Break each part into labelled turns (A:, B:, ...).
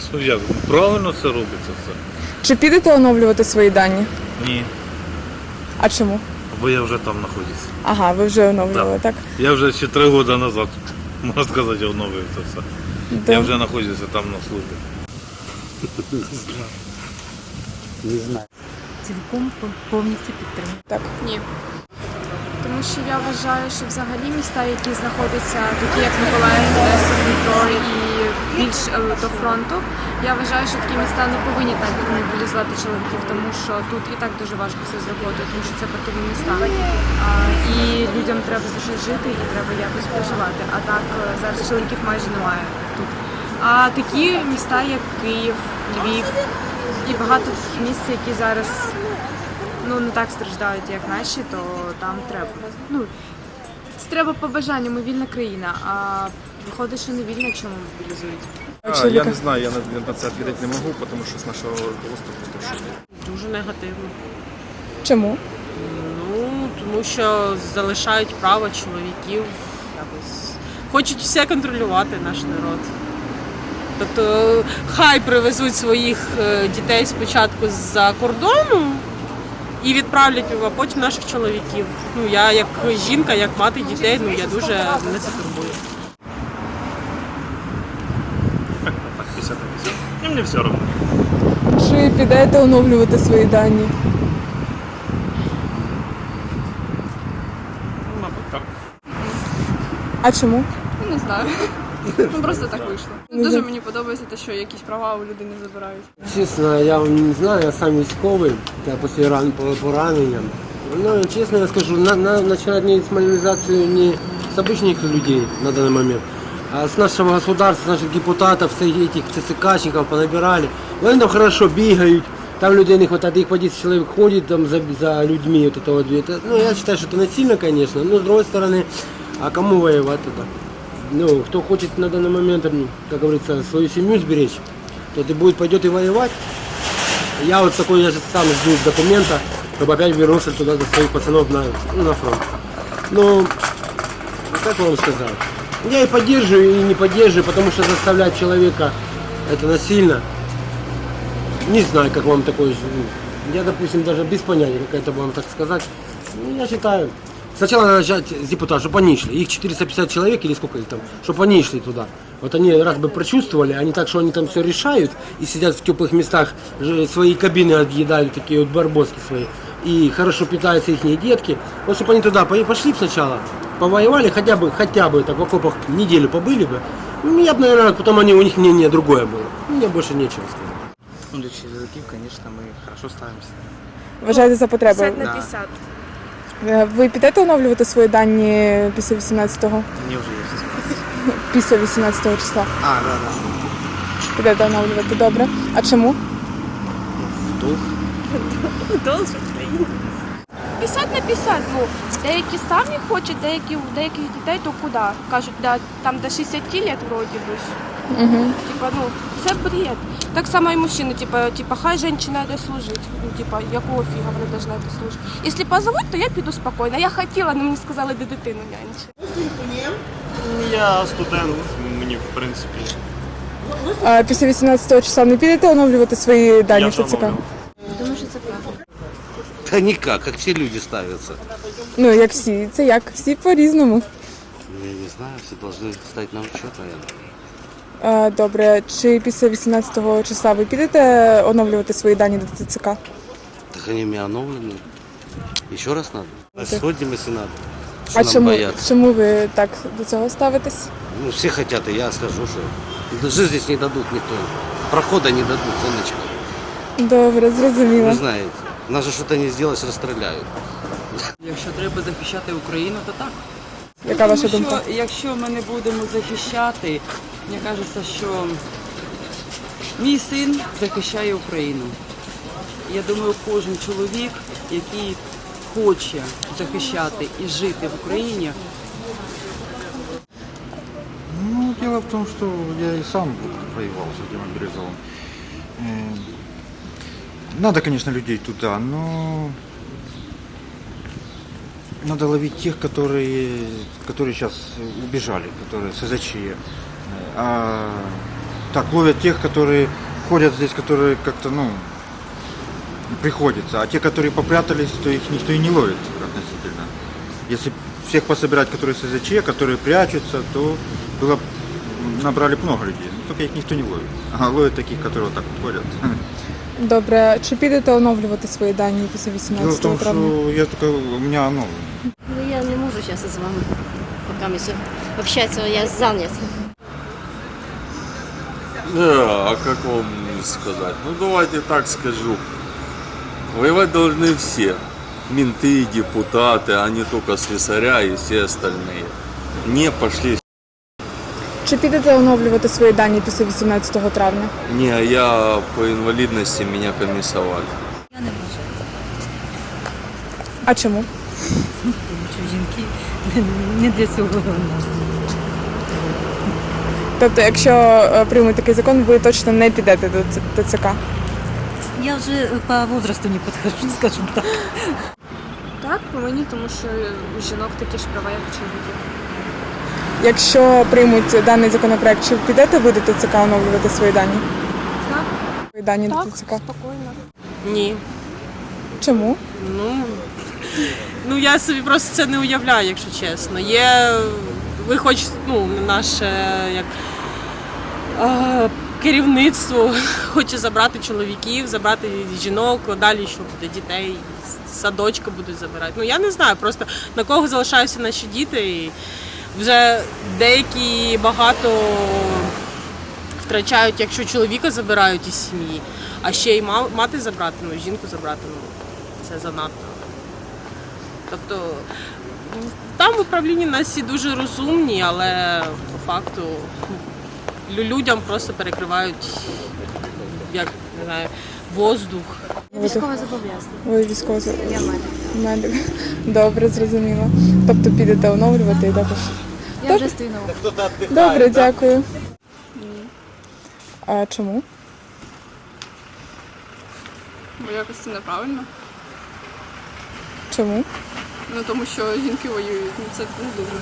A: Як? Правильно це робиться все.
B: Чи підете оновлювати свої дані?
A: Ні.
B: А чому?
A: Бо я вже там знаходжусь.
B: Ага, ви вже оновлювали, так?
A: Я вже ще 3 роки назад, можна сказати, оновив це все.
B: Да.
A: Я вже знаходжуся там на службі.
C: Не знаю.
D: Цілком повністю підтримую.
B: Так.
E: Ні. Тому що я вважаю, що взагалі міста, які знаходяться, такі як Миколаїв, Одеса, Дніпро і більш до фронту, я вважаю, що такі міста не повинні так мобілізувати чоловіків, тому що тут і так дуже важко все з роботою, тому що це портові міста. І людям треба за щось жити і треба якось проживати. А так зараз чоловіків майже немає тут. А такі міста, як Київ, Львів і багато місць, які зараз не так страждають, як наші, то там треба. Це треба по бажанню, ми вільна країна, а виходить, що не вільна, якщо ми мобілізують.
F: Я не знаю, я на це відповідати не можу, тому що з нашого руководства просто в шокі.
G: Дуже негативно.
B: Чому?
G: Тому що залишають право чоловіків, якось хочуть все контролювати наш народ. Тобто хай привезуть своїх дітей спочатку з-за кордону і відправлять, а потім наших чоловіків. Я як жінка, як мати дітей, я дуже мене це турбує.
A: Так, 50 на 50. І мені все одно.
B: Чи підете оновлювати свої дані?
A: Мабуть, так.
B: А чому?
E: Не знаю. Просто так вийшло. Дуже мені подобається те, що якісь права у людини забирають.
C: Чесно, я не знаю, я сам військовий, я після поранення. Ну, чесно я скажу, начинать не с мобилизацию не с обычных людей на данный момент, а с нашего государства, с наших депутатов, с этих ЦСКшников понабирали. Вони там хорошо бігають, там людей не хватает, их по 10 человек ходит там за людьми. Вот это вот. Я считаю, что это насильно, конечно, но с другой стороны, а кому воевать тогда? Кто хочет на данный момент, как говорится, свою семью сберечь, тот и пойдет и воевать. Я вот такой, я же сам жду документа, чтобы опять вернулся туда до своих пацанов на фронт. Как вам сказать? Я и поддерживаю, и не поддерживаю, потому что заставлять человека это насильно. Не знаю, как вам такое. Я, допустим, даже без понятия, как это вам так сказать. Я считаю, сначала надо начать с депутатов, чтобы они шли. Их 450 человек или сколько их там, чтобы они шли туда. Вот они раз бы прочувствовали, а не так, что они там все решают и сидят в теплых местах, свои кабины отъедают, такие вот барбоски свои, и хорошо питаются их детки. Вот чтобы они туда пошли сначала, повоевали, хотя бы так в окопах неделю побыли бы. Я бы, наверное, потом у них мнение другое было. Мне больше нечего сказать.
H: Для чоловіків, звісно, ми хорошо ставимося.
B: Вважаєте за потребою?
E: 50 на 50.
B: Ви підете оновлювати свої дані після 18-го?
H: Мені вже є все сказати.
B: Після 18-го числа?
H: Да.
B: Підете оновлювати, добре. А чому?
H: Дух.
I: 50 на 50, деякі самі хочуть, у деяких дітей то куди? Кажуть, там до 60 лет вроді би.
B: Угу.
I: Це бред. Так само і мужчини, хай жінка йде служити. Якого фіга вони повинні йти служити? Якщо позовуть, то я піду спокійно. Я хотіла, але мені сказали, де дитину нянчити.
F: Я студент, мені в принципі.
B: А після 18-го числа не підете оновлювати свої дані в ТЦК?
E: Думаю, що це правда.
J: Да никак, как все люди ставятся.
B: Як всі. Це як? Всі по-різному.
J: Я не знаю, все должны стать на учет, наверное.
B: Добре. Чи після 18-го числа ви підете оновлювати свої дані до ТЦК?
J: Так они у меня новлены. Еще раз надо. Сходим, если надо. Что
B: А
J: нам
B: чому,
J: бояться?
B: чому ви так до цього ставитесь?
J: Ну, все хотят, и я скажу, что жизнь здесь не дадут никто. Прохода не дадут, сонечко.
B: Добре, зрозуміло.
J: Вы знаете, нас же что-то не сделаешь, расстреляют.
G: Якщо треба захищати Україну, то так.
B: Яка ваша думка?
G: Якщо ми не будемо захищати, мені кажеться, що мій син захищає Україну. Я думаю, кожен чоловік, який хоче захищати і жити в Україні.
K: Дело в том, что я и сам воевал с демобилизован. Надо, конечно, людей туда, но надо ловить тех, которые сейчас убежали, которые СЗЧ. А так, ловят тех, которые ходят здесь, которые как-то, ну, приходится. А те, которые попрятались, то их никто и не ловит относительно. Если всех пособирать, которые СЗЧ, которые прячутся, то было, набрали много людей. Но только их никто не ловит. А ловят таких, которые вот так вот ходят.
B: Добре, чи підете оновлювати свої дані після
K: Дело в
B: 18
K: том,
B: травня?
K: что я только, у меня, ну,
L: Ну, я не можу зараз з вами поки ми общатися, я зайнят.
M: А как вам сказать? Ну, давайте так скажу. Воевать должны все. Менты, депутаты, а не только слесаря и все остальные. Не пошли.
B: Чи підете оновлювати свої дані після 18 травня?
M: Не, я по инвалидности меня комиссовали.
D: Я не можу.
B: А чому?
D: Тому що жінки не для цього у нас.
B: Тобто, якщо приймуть такий закон, ви точно не підете до ТЦК?
D: Я вже по возрасту не підходжу, скажімо так.
E: Так, повинні, тому що у жінок такі ж права, як у чоловіків.
B: Якщо приймуть даний законопроект, чи підете ви до ТЦК оновлювати свої дані?
E: Так.
B: Свої дані
I: Так,
B: до ТЦК?
I: спокойно.
G: Ні.
B: Чому?
G: Ну я собі просто це не уявляю, якщо чесно. Є, ви хоч, ну, наше як керівництво хоче забрати чоловіків, забрати жінок, далі що буде, дітей, з садочка будуть забирати. Ну я не знаю, просто на кого залишаються наші діти. І вже деякі багато втрачають, якщо чоловіка забирають із сім'ї, а ще й мати забрати, ну, жінку забрати, ну, це занадто. Тобто там в управлінні нас всі дуже розумні, але по факту людям просто перекривають, як, не знаю, воздух.
L: Військове зобов'язання.
B: Ви військово
L: Я медик.
B: медик. Добре, зрозуміло. Тобто підете оновлювати і також.
L: Я вже стою на вулиці.
B: Добре, дякую. А чому?
E: Бо якось це неправильно.
B: Чому?
E: Ну тому що жінки воюють, ну це не дуже.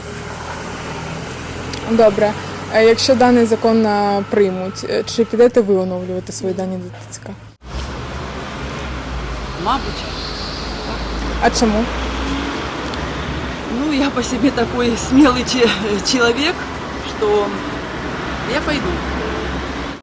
B: Добре. А якщо даний закон приймуть, чи підете ви оновлювати свої дані до ТЦК?
N: Мабуть.
B: А чому?
N: Ну, я по себе такой смелый человек, что я пойду.